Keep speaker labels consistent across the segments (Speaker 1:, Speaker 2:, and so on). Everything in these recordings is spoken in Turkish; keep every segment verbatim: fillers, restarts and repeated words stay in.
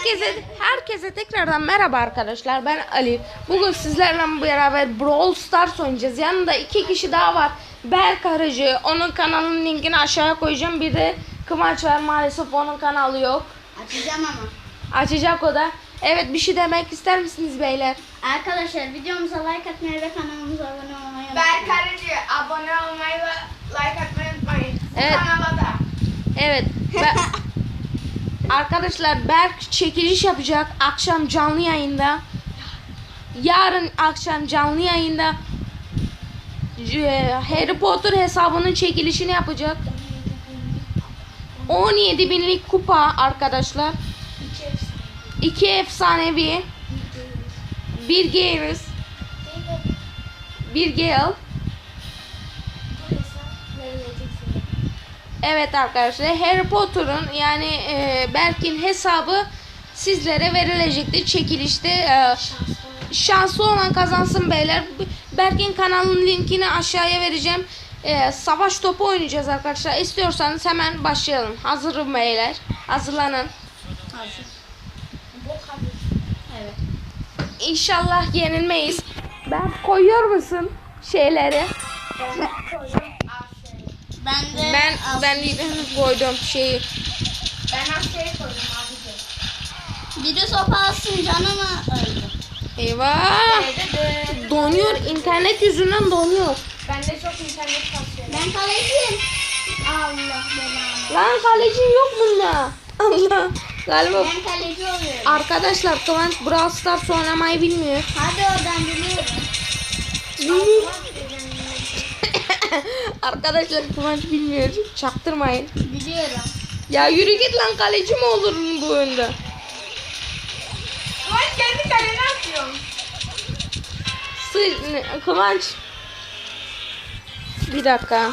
Speaker 1: Herkese herkese tekrardan merhaba arkadaşlar. Ben Ali. Bugün sizlerle beraber Brawl Stars oynayacağız. Yanında iki kişi daha var. Berk Arıcı. Onun kanalının linkini aşağıya koyacağım. Bir de Kıvanç var. Maalesef onun kanalı yok.
Speaker 2: Açacağım ama.
Speaker 1: Açacak o da. Evet, bir şey demek ister misiniz beyler?
Speaker 2: Arkadaşlar videomuza like atmayı ve kanalımıza abone olmayı unutmayın.
Speaker 3: Berk Arıcı, abone olmayı ve like atmayı unutmayın. Bu
Speaker 1: Evet.
Speaker 3: kanala da.
Speaker 1: Evet. Be- Arkadaşlar Berk çekiliş yapacak akşam canlı yayında. Yarın akşam canlı yayında e, Harry Potter hesabının çekilişini yapacak. on yedi binlik kupa arkadaşlar. iki efsanevi. Bir Garrus. Bir Gale. Evet arkadaşlar, Harry Potter'ın yani e, Berk'in hesabı sizlere verilecektir çekilişte. E, şanslı olan kazansın beyler. Berk'in kanalının linkini aşağıya vereceğim. E, savaş topu oynayacağız arkadaşlar. İstiyorsanız hemen başlayalım. Hazırım beyler. Hazırlanın.
Speaker 2: Hazır. Evet.
Speaker 1: İnşallah yenilmeyiz. Ben koyuyor musun şeyleri?
Speaker 2: Ben de
Speaker 1: Ben ben henüz koydum şeyi.
Speaker 3: Ben Asya'yı koydum abici.
Speaker 2: biri sopa alsın canımı öldü.
Speaker 1: Eyvah! Donuyor. İnternet yüzünden donuyor.
Speaker 3: Bende çok internet kasıyor.
Speaker 2: Ben kaleciyim. Allah belanı.
Speaker 1: Lan kaleci yok bunda. Allah. Galiba
Speaker 2: Ben kaleci oluyorum.
Speaker 1: arkadaşlar Kıvanç Brawl Stars oynamayı bilmiyor.
Speaker 2: Hadi oradan biliyorum.
Speaker 1: Arkadaşlar Kıvanç bilmiyor. Çaktırmayın.
Speaker 2: Biliyorum.
Speaker 1: Ya yürü git lan, kaleci mi olur bu oyunda?
Speaker 3: Ulan kendi kalene atıyorum.
Speaker 1: Sı ne- Kıvanç. Bir dakika.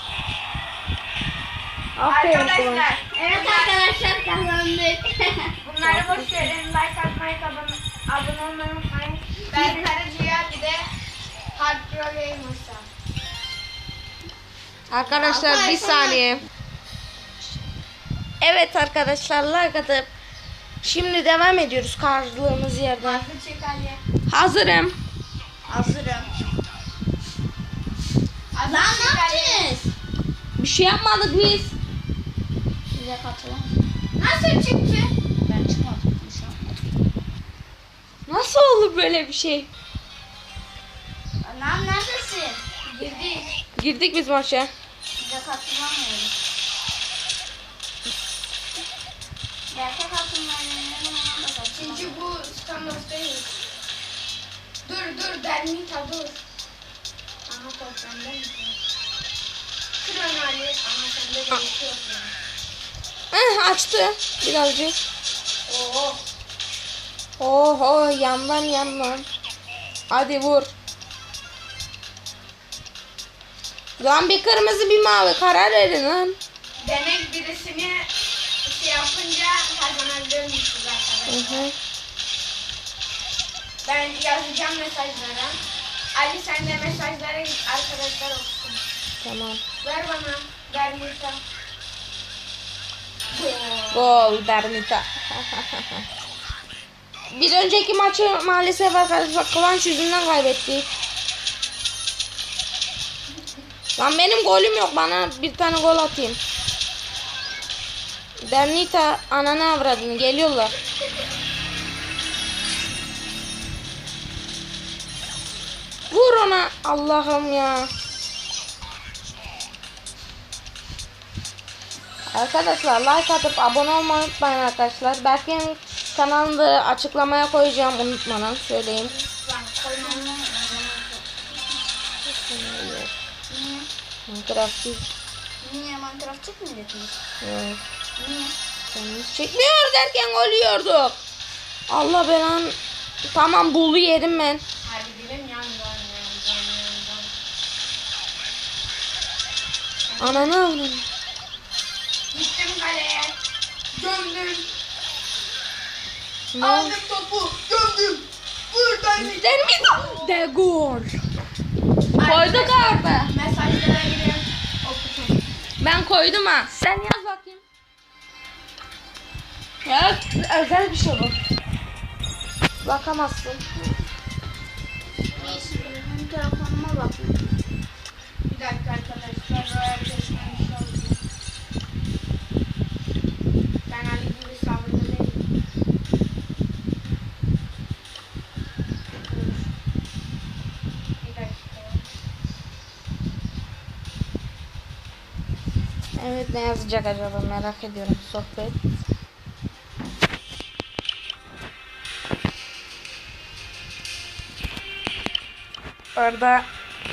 Speaker 1: Aferin Kıvanç.
Speaker 3: Arkadaşlar,
Speaker 2: Evet arkadaşlar kazandık.
Speaker 3: bunları boş verin. Like atmayı, abone, abone olmayı unutmayın. Berk Arıcı'ya bir de Hard Pro Gamers'a.
Speaker 1: Arkadaşlar bir saniye. Evet arkadaşlar, like atıp şimdi devam ediyoruz kaldığımız yerden.
Speaker 3: Bu çek Ali.
Speaker 1: Hazırım.
Speaker 2: Hazırım.
Speaker 3: Az
Speaker 2: Lan
Speaker 3: çek
Speaker 2: ne
Speaker 3: Ali.
Speaker 2: yapacağız?
Speaker 1: Bir şey yapmadık biz.
Speaker 2: Bize katılan.
Speaker 3: Nasıl çıktı?
Speaker 2: Ben çıkmadım. Bir şey yapmadım.
Speaker 1: Nasıl olur böyle bir şey?
Speaker 2: Lan neredesin?
Speaker 3: Girdik.
Speaker 1: Girdik biz maça.
Speaker 2: Bize katılamıyorum. Gerçek katılmayanların
Speaker 3: Çünkü bu standart değil. Dur dur Dernita dur. Aha top bende mi? Kır onu Ali. Ama sende de bir şey yok yani.
Speaker 1: Eh, açtı birazcık.
Speaker 3: Oo.
Speaker 1: Oho, yandan yandan. Hadi vur. Lan bir kırmızı bir mavi, karar verin lan.
Speaker 3: Demek birisini şey yapınca kazanabiliyormuşuz
Speaker 1: Hı
Speaker 3: arkadaşlar.
Speaker 1: hı.
Speaker 3: Ben yazacağım mesajlara. Ali sen de mesajlara git, arkadaşlar olsun.
Speaker 1: Tamam.
Speaker 3: Ver bana. Dernita.
Speaker 1: Gol Bernita. Bir önceki maçı maalesef arkadaşlar Kıvanç yüzünden kaybettik. Lan benim golüm yok, bana bir tane gol atayım. Bernita ananı avradını, geliyorlar. Vur ona, Allah'ım ya. Arkadaşlar like atıp abone olmayı unutmayın arkadaşlar. Berk'in kanalını da açıklamaya koyacağım, unutmadan söyleyeyim. Minecraft değil.
Speaker 2: Niye Minecraft çekmeyeceksiniz?
Speaker 1: Evet.
Speaker 2: Niye?
Speaker 1: Kendimiz çekmiyor derken ölüyorduk. Allah belan. Tamam, bulu yedim ben.
Speaker 3: Hadi gidelim yan yan yan yan yan.
Speaker 1: Ananı avradım.
Speaker 3: Gittim kaleye. Gömdüm.
Speaker 1: Ne?
Speaker 3: Aldım topu. Gömdüm. Buradan gittim.
Speaker 1: Der mi? De gol. Koyduk abi.
Speaker 3: Mesajlara girip okutun.
Speaker 1: Ben koydum ha. Sen yaz bakayım. Yaz. özel bir şey bu. Bakamazsın.
Speaker 2: Neyse benim telefonuma bakayım.
Speaker 3: Bir dakika arkadaşlar. Royal Pass'ten bir şey oldu. Ben Ali gibi sabırlı değilim. Dur. Bir dakika.
Speaker 1: Evet, ne yazacak acaba merak ediyorum. Sohbet. Orada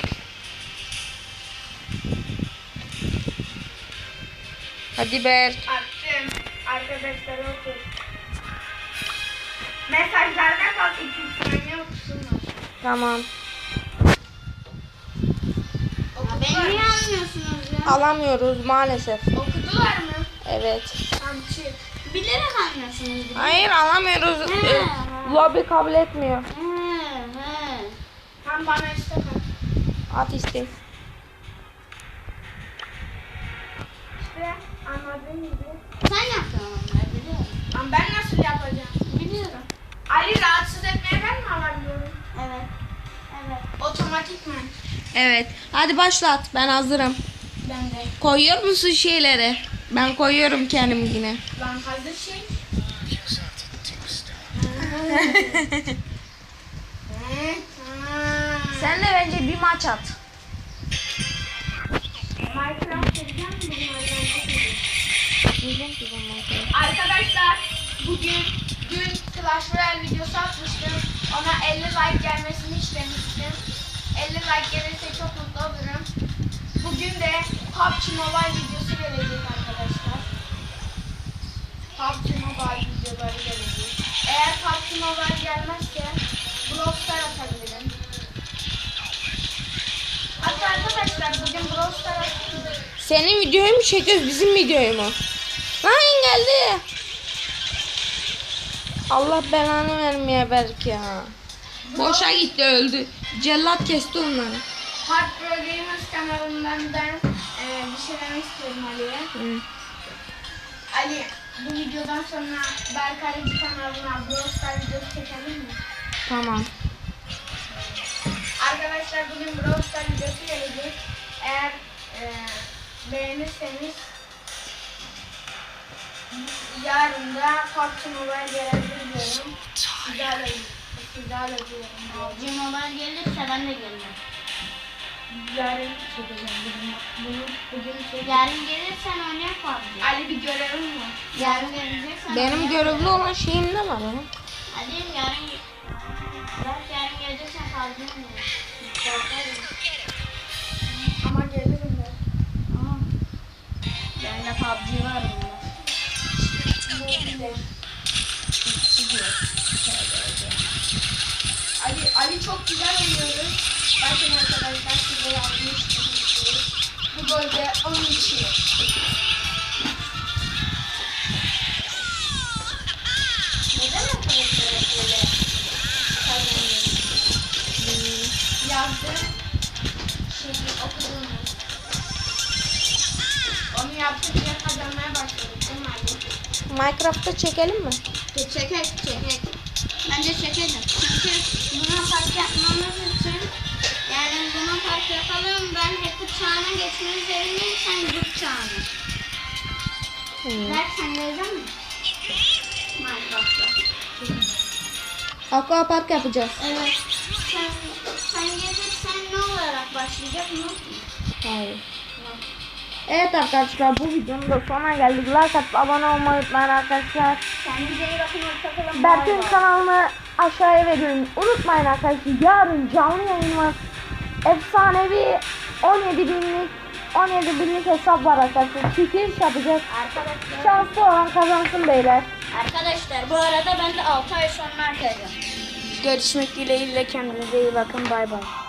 Speaker 1: hadi Berk.
Speaker 3: Attım. Arkadaşlar oku. Mesajlarda bak, iki saniye okusun var.
Speaker 1: Tamam.
Speaker 2: Beni niye almıyorsunuz ya?
Speaker 1: Alamıyoruz maalesef.
Speaker 3: Okudular mı?
Speaker 1: Evet.
Speaker 3: Tamam çık.
Speaker 2: Bilerek almıyorsunuz.
Speaker 1: Hayır alamıyoruz.
Speaker 2: He.
Speaker 1: Ee, Lobby kabul etmiyor.
Speaker 2: He he.
Speaker 3: Tam bana istek at.
Speaker 1: At istek.
Speaker 3: İşte anladığın gibi.
Speaker 2: Sen yaptın onları biliyorum.
Speaker 3: Ama ben nasıl yapacağım?
Speaker 2: Biliyorum.
Speaker 3: Ali rahatsız etmeye ben mi alabiliyorum?
Speaker 2: Evet. Evet.
Speaker 3: Otomatikman.
Speaker 1: Evet. Hadi başlat. Ben hazırım.
Speaker 3: Ben de.
Speaker 1: Koyuyor musun şeyleri? Ben koyuyorum kendim yine.
Speaker 3: Lan hazır şey. Hı, ha.
Speaker 1: Sen de bence bir maç at.
Speaker 3: Minecraft gireceğim mi? Arkadaşlar bugün dün Clash Royale videosu atmıştım. Ona elli like gelmesini istemiştim. elli like gelirse çok mutlu olurum. Bugün de P U B G Mobile videosu gelecek arkadaşlar. P U B G Mobile videoları gelecek. Eğer P U B G Mobile gelmezse Brawl Stars atabilirim. Hatta arkadaşlar bugün Brawl Stars atayım mı?
Speaker 1: Senin videoyu mu çekiyoruz bizim videoyu mu? Lan geldi. Allah belanı vermeye belki ya. Boşa gitti öldü. Cellat kesti onları.
Speaker 3: Hard Pro Gamers kanalından ben e, bir şey demek istiyorum Ali'ye.
Speaker 1: Hı.
Speaker 3: Ali, bu videodan sonra Berkay'cı kanalına Brawl Stars videosu çekelim mi?
Speaker 1: Tamam.
Speaker 3: Arkadaşlar bugün Brawl Stars videosu gelecek. Eğer e, beğenirseniz yarın da P U B G Mobile gelebilir diyorum. Sizlerle, sizlerle diyorum.
Speaker 2: P U B G Mobile gelirse ben de gelirim.
Speaker 3: Yarın çekeceğim bunu. Bunu bugün çekeceğim.
Speaker 2: Yarın gelirsen oynayalım P U B G.
Speaker 3: Ali bir görevim var.
Speaker 2: Yarın geleceksen
Speaker 1: Benim
Speaker 2: oynayalım.
Speaker 1: görevli olan şeyim ne var ya?
Speaker 2: Hadi yarın Bak yarın geleceksen P U B G oynayalım.
Speaker 3: Ama gelirim ben.
Speaker 2: Tamam. Bende P U B G var mı?
Speaker 3: Bu bile. Ali, Ali çok güzel oynuyoruz. Bakın arkadaşlar size yapmıştım. Bu golde onun için. Neden arkadaşlar hep böyle kazanıyoruz? Yazdı. Şeyi okudun mu? Onu yaptıkça kazanmaya başladık değil mi Ali?
Speaker 1: Minecraft'ta çekelim mi?
Speaker 2: Çekek çekek. Bence çekelim. Çünkü buna fark yapmamız için yani buna fark yapalım. Ben hacker çağına geçmeyi üzerindeyim. Sen grup çağına.
Speaker 1: Hı.
Speaker 2: Berk sen gelecek misin? Minecraft'ta.
Speaker 1: Aqua Park yapacağız.
Speaker 2: Evet. Sen, sen gelirsen ne olarak başlayacak mı?
Speaker 1: Hayır. Evet arkadaşlar bu videonun da sonuna geldik. Like atıp abone olmayı unutmayın arkadaşlar.
Speaker 2: Kendinize iyi bakın. Hoşçakalın.
Speaker 1: Berk'in kanalını aşağıya veriyorum. Unutmayın arkadaşlar yarın canlı yayın var. Efsanevi on yedi binlik on yedi binlik hesap var arkadaşlar. Çekiliş yapacağız.
Speaker 2: Arkadaşlar,
Speaker 1: Şanslı olan kazansın beyler.
Speaker 2: arkadaşlar bu arada ben de altı ay sonra açacağım.
Speaker 1: Görüşmek dileğiyle kendinize iyi bakın. Bay bay.